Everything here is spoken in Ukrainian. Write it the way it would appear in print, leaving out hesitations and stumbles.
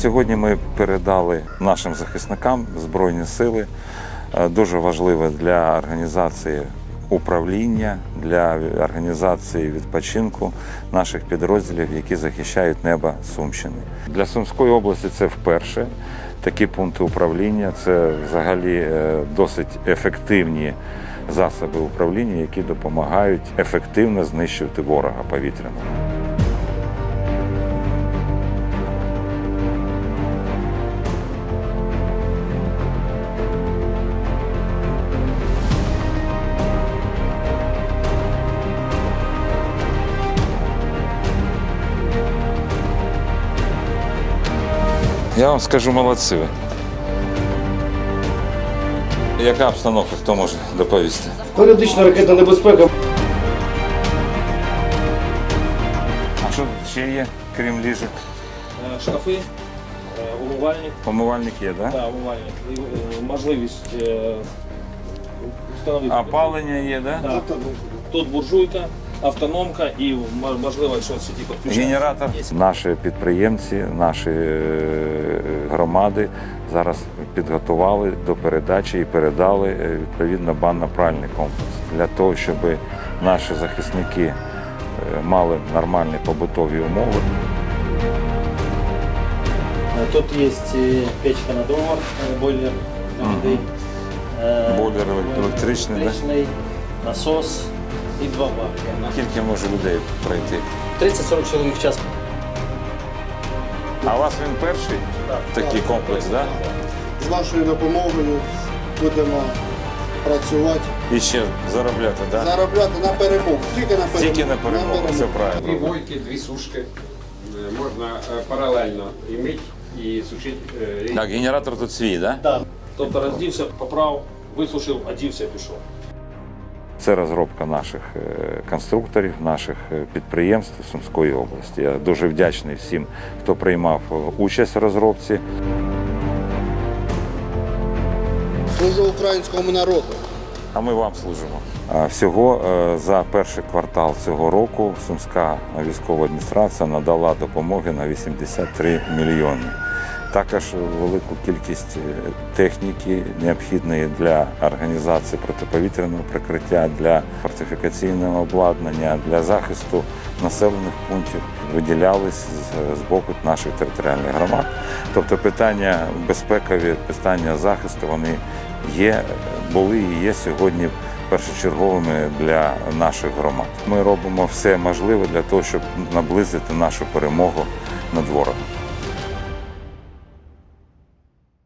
Сьогодні ми передали нашим захисникам Збройні сили. Дуже важливе для організації управління, для організації відпочинку наших підрозділів, які захищають небо Сумщини. Для Сумської області це вперше такі пункти управління. Це взагалі досить ефективні засоби управління, які допомагають ефективно знищувати ворога повітряного. Я вам скажу, молодці ви. Яка обстановка, хто може доповісти? Періодична ракетна небезпека. А що ще є, крім ліжок? Шкафи, умивальник. Помивальник є, так? Так, умивальник. І можливість встановити. Опалення є, так? Так. Тут буржуйка, автономка і можливо, якщо сюди підключається. Генератор. Наші підприємці, наші громади зараз підготували до передачі і передали відповідно банно-пральний комплекс для того, щоб наші захисники мали нормальні побутові умови. Тут есть печка на дрова, бойлер для воды. Бойлер електричний, так? Насос і 2 баки. Скільки може людей пройти? 30-40 чоловік в час. А у вас він перший такий комплекс, так? З вашою допомогою будемо працювати, І ще заробляти, так? заробляти на перемогу. Тільки на перемогу, все Дві правильно. бойки, дві сушки можна паралельно іметь і сушити. Так, генератор тут свій, так? Тобто роздівся, поправ, висушив, одівся, пішов. Це розробка наших конструкторів, наших підприємств Сумської області. Я дуже вдячний всім, хто приймав участь в розробці. Служу українському народу. А ми вам служимо. Всього за перший квартал цього року Сумська військова адміністрація надала допомоги на 83 мільйони. Також велику кількість техніки, необхідної для організації протиповітряного прикриття, для фортифікаційного обладнання, для захисту населених пунктів виділялись з боку наших територіальних громад. Тобто питання безпекові, питання захисту, вони є, були і є сьогодні першочерговими для наших громад. Ми робимо все можливе для того, щоб наблизити нашу перемогу над ворогом.